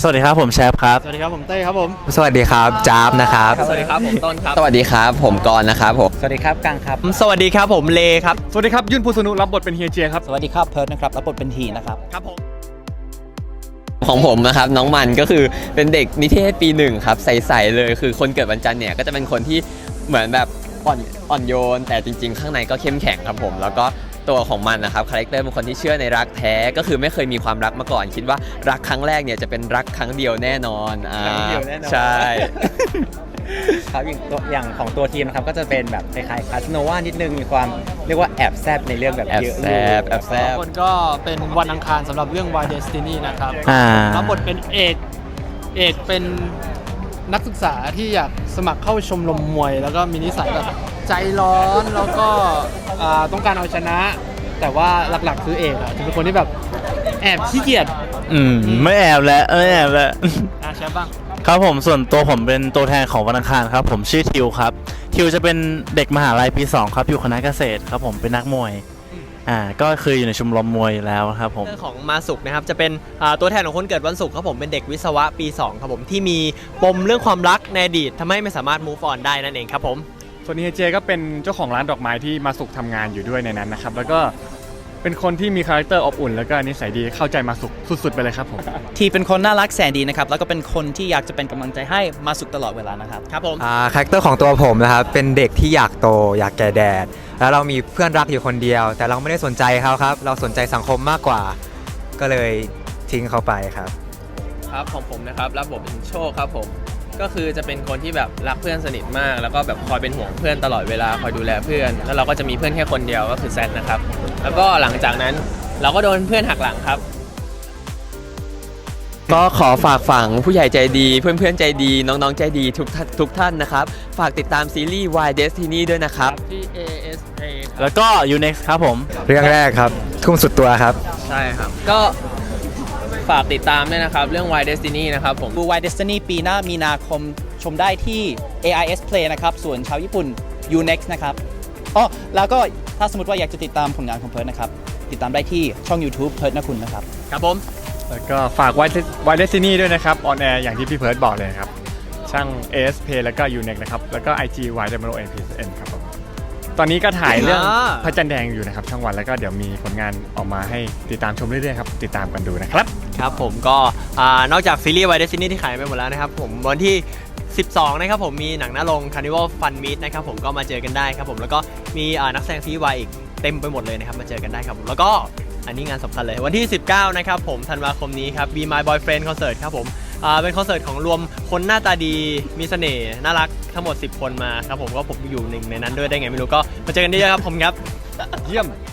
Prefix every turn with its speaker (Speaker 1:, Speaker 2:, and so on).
Speaker 1: สวัสดีครับผมแชปครับ
Speaker 2: สวัสดีครับผมเต้ครับผม
Speaker 3: สวัสดีครับจ๊าบนะครับ
Speaker 4: สวัสดีครับผมต้นครับ
Speaker 3: สวัสดีครับผมกรณ์นะครับผม
Speaker 5: สวัสดีครับกังครับ
Speaker 4: สวัสดีครับผมเลครับ
Speaker 2: สวัสดีครับยุ่นภูสนุรับบทเป็นเฮียเจียครับ
Speaker 5: สวัสดีครับเพิร์ดนะครับรับบทเป็นทีนะครับ
Speaker 4: ครับผม
Speaker 3: ของผมนะครับน้องมันก็คือเป็นเด็กนิเทศปีหนึ่งครับใสๆเลยคือคนเกิดวันจันทร์เนี่ยก็จะเป็นคนที่เหมือนแบบอ่อนโยนแต่จริงๆข้างในก็เข้มแข็งครับผมแล้วก็ตัวของมันนะครับคาแรคเตอร์เป็นคนที่เชื่อในรักแท้ก็คือไม่เคยมีความรักมาก่อนคิดว่ารักครั้งแรกเนี่ยจะเป็นรักครั้งเดียวแน่นอนใช่
Speaker 5: ครับอย่างของตัวทีมนะครับก็จะเป็นแบบคล้ายๆคาสโนวานิดนึงมีความเรียกว่าแอบแซบในเรื่องแบบเยอะ
Speaker 3: แอบแซบ
Speaker 2: คนก็เป็นวันอังคารสำหรับเรื่อง Why Destiny นะครับรับบทเป็นเอกเป็นนักศึกษาที่อยากสมัครเข้าชมรมมวยแล้วก็มีนิสัยแบบใจร้อนแล้วก็ต้องการเอาชนะ แต่ว่าหลักๆคือเอกจะเป็นคนที่แบบแอบขี้เกียจ
Speaker 1: ไม่แอบแล้วไม่แอบแล้ว
Speaker 2: ใช่บ้าง
Speaker 1: ครับผมส่วนตัวผมเป็นตัวแทนของวันอังคารครับผมชื่อทิวครับทิวจะเป็นเด็กมหาลัยปี2ครับอยู่คณะเกษตรครับผมเป็นนักมวยก็คืออยู่ในชมรมมวยแล้วครับผม
Speaker 4: เรื่องของมาสุกนะครับจะเป็นตัวแทนของคนเกิดวันศุกร์ครับผมเป็นเด็กวิศวะปี2ครับผมที่มีปมเรื่องความรักในอดีตทำให้ไม่สามารถ move on ได้นั่นเองครับผม
Speaker 2: ส่วนเฮียเจก็เป็นเจ้าของร้านดอกไม้ที่มาสุกทำงานอยู่ด้วยในนั้นนะครับแล้วก็เป็นคนที่มีคาแรคเตอร์อบอุ่นแล้วก็นิสัยดีเข้าใจมาสุกสุดๆไปเลยครับผม
Speaker 5: ทีเป็นคนน่ารักแสนดีนะครับแล้วก็เป็นคนที่อยากจะเป็นกำลังใจให้มาสุกตลอดเวลานะครับ
Speaker 4: ครับผม
Speaker 3: คาแรคเตอร์ของตัวผมนะครับเป็นเด็กที่อยากโตอยากแก่แดดแล้วเรามีเพื่อนรักอยู่คนเดียวแต่เราไม่ได้สนใจเขาครับเราสนใจสังคมมากกว่าก็เลยทิ้งเขาไปครับ
Speaker 4: ครับของผมนะครับรับบทเป็นโชคครับผมก็คือจะเป็นคนที่แบบรักเพื่อนสนิทมากแล้วก็แบบคอยเป็นห่วงเพื่อนตลอดเวลาคอยดูแลเพื่อนแล้วเราก็จะมีเพื่อนแค่คนเดียวก็คือแซดนะครับแล้วก็หลังจากนั้นเราก็โดนเพื่อนหักหลังครับ
Speaker 3: ก็ขอฝากฝังผู้ใหญ่ใจดีเพื่อนๆใจดีน้องๆใจดีทุกท่านนะครับฝากติดตามซีรีส์ Why Destiny ด้วยนะครับ
Speaker 2: ที่ ASA
Speaker 1: แล้วก็ UNEX ครับผม
Speaker 3: เรื่องแรกครับทุ่มสุดตัวครับ
Speaker 4: ใช่ครับก็ฝากติดตามด้วยนะครับเรื่อง Why Destiny นะครับผม
Speaker 5: ดู Why Destiny ปีหน้ามีนาคมชมได้ที่ AIS Play นะครับส่วนชาวญี่ปุ่น UNEXT นะครับแล้วก็ถ้าสมมติว่าอยากจะติดตามผลงานของเพิร์ดนะครับติดตามได้ที่ช่อง YouTube เพิร์ดนะคุณนะครับ
Speaker 4: ครับผม
Speaker 2: แล้วก็ฝาก Why Destiny ด้วยนะครับออนแอร์อย่างที่พี่เพิร์ดบอกเลยครับช่าง AS Play แล้วก็ UNEXT นะครับแล้วก็ IG Y_NPSN ครับผมตอนนี้ก็ถ่ายเรื่องพระจันทร์แดงอยู่นะครับช่องวันแล้วก็เดี๋ยวมีผลงานออกมาให้ติดตามชมเรื่อยๆครับติดตามกันดูนะครับ
Speaker 4: ครับผมก็นอกจากซีรีส์ Why Destiny ที่ขายไปหมดแล้วนะครับผมวันที่12นะครับผมมีหนังหน้าโรง Carnival Fun Meet นะครับผมก็มาเจอกันได้ครับผมแล้วก็มีนักแสดงซีรีส์วายอีกเต็มไปหมดเลยนะครับมาเจอกันได้ครับผมแล้วก็อันนี้งานสำคัญเลยวันที่19นะครับผมธันวาคมนี้ครับ Be My Boyfriend Concert ครับผมเป็นคอนเสิร์ตของรวมคนหน้าตาดีมีเสน่ห์น่ารักทั้งหมด10 คนมาครับผมก็ผมอยู่หนึ่งในนั้นด้วยได้ไงไม่รู้ก็มาเจอกันได้เยอะครับผมครับ
Speaker 2: เยี่ยม